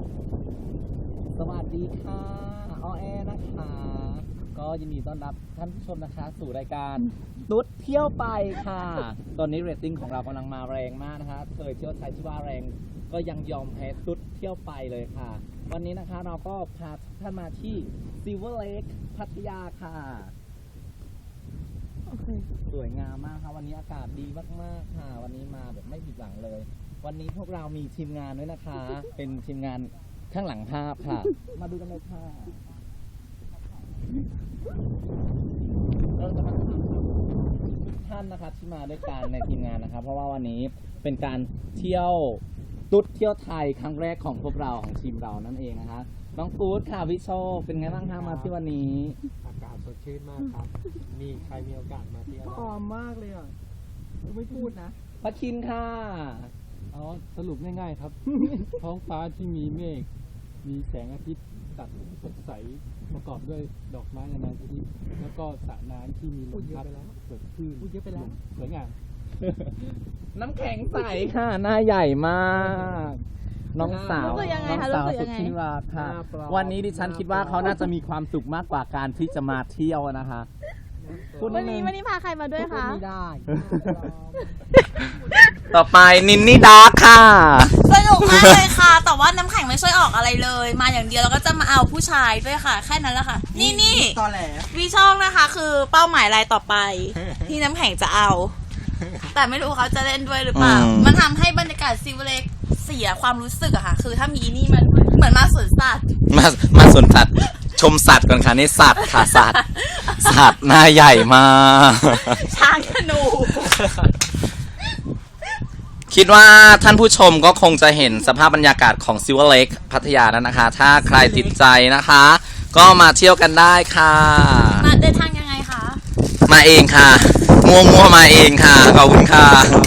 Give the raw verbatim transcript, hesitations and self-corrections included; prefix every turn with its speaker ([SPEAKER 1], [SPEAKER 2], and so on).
[SPEAKER 1] สวัสดีค่ะออแอนะคะก็ยินดีต้อนรับท่านผู้ชมนะคะสู่รายการตุ๊ดเที่ยวไปค่ะตอนนี้เรตติ้งของเรากำลังมาแรงมากนะคะเคยเที่ยวไทยที่ว่าแรงก็ยังยอมแพ้ตุ๊ดเที่ยวไปเลยค่ะวันนี้นะคะเราก็พาท่านมาที่ Silver Lake พัทยาค่ะโอเคสวยงามมากค่ะวันนี้อากาศดีมากๆค่ะวันนี้มาแบบไม่ผิดหวังเลยวันนี้พวกเรามีทีมงานด้วยนะคะเป็นทีมงานข้างหลังภาพค่ะมาดูกันเลยค่ะเราจะมาถามทุกท่านนะครับที่มาด้วยกันในทีมงานนะครับเพราะว่าวันนี้เป็นการเที่ยวตุ๊ดเที่ยวไทยครั้งแรกของพวกเราของทีมเรานั่นเองนะคะน้องกู๊ดค่ะพี่โชคเป็นไงบ้างคะมาที่วันนี้
[SPEAKER 2] อากาศสดชื่นมากครับมีใครมีโอกาสมาเที่ยว
[SPEAKER 3] หอมมากเลยอ่ะไม่พูดนะ
[SPEAKER 1] พักคินค่ะ
[SPEAKER 2] อ๋อสรุปง่ายๆครับ ท้องฟ้าที่มีเมฆมีแสงอาทิตย์ตัดสดใสประกอบด้วยดอกไม้นานาชนิดแล้วก็สระน้ำที่มีลมพัดเกิดขึ้น
[SPEAKER 3] พูดเยอะไปแล้ว
[SPEAKER 2] สวยงาม
[SPEAKER 1] น้ำแข็งใสค่ะหน้าใหญ่มากน้องสาวน้องสาวสุดที่รักค่ะวันนี้ดิฉันคิดว่าเขาน่าจะมีความสุขมากกว่าการที่จะมาเที่ยวนะคะ
[SPEAKER 4] วันนี้วันนี้พาใครมาด้วยคะ
[SPEAKER 3] ไม่ได้
[SPEAKER 1] ต่อไปนินนี่ดาร์คค่ะ
[SPEAKER 4] สนุกมากเลยค่ะแต่ว่าน้ำแข็งไม่ช่วยออกอะไรเลยมาอย่างเดียวแล้วก็จะมาเอาผู้ชายด้วยค่ะแค่นั้นแหละค่ะนี่นี่
[SPEAKER 3] ตอแหล
[SPEAKER 4] วีช่องนะคะคือเป้าหมายรายต่อไปที่น้ำแข็งจะเอาแต่ไม่รู้เขาจะเล่นด้วยหรือเปล่ามันทำให้บรรยากาศซิลเล็กเสียความรู้สึกอะค่ะคือถ้ามีนี่มันเหมือนมาสวนสัตว์
[SPEAKER 1] มามาสวนสัตว์ชมสัตว์ก่อนค่ะนี่สัตว์ค่ะสัตว์สัตว์หน้าใหญ่มาก
[SPEAKER 4] ช้างธนู
[SPEAKER 1] คิดว่าท่านผู้ชมก็คงจะเห็นสภาพบรรยากาศของ Silver Lake พัทยาแล้วนะคะถ้าใครติดใจนะคะก็มาเที่ยวกันได้ค่ะ
[SPEAKER 4] มาเดินทางยังไงคะ
[SPEAKER 1] มาเองค่ะมัวมัวมาเองค่ะขอบคุณค่ะ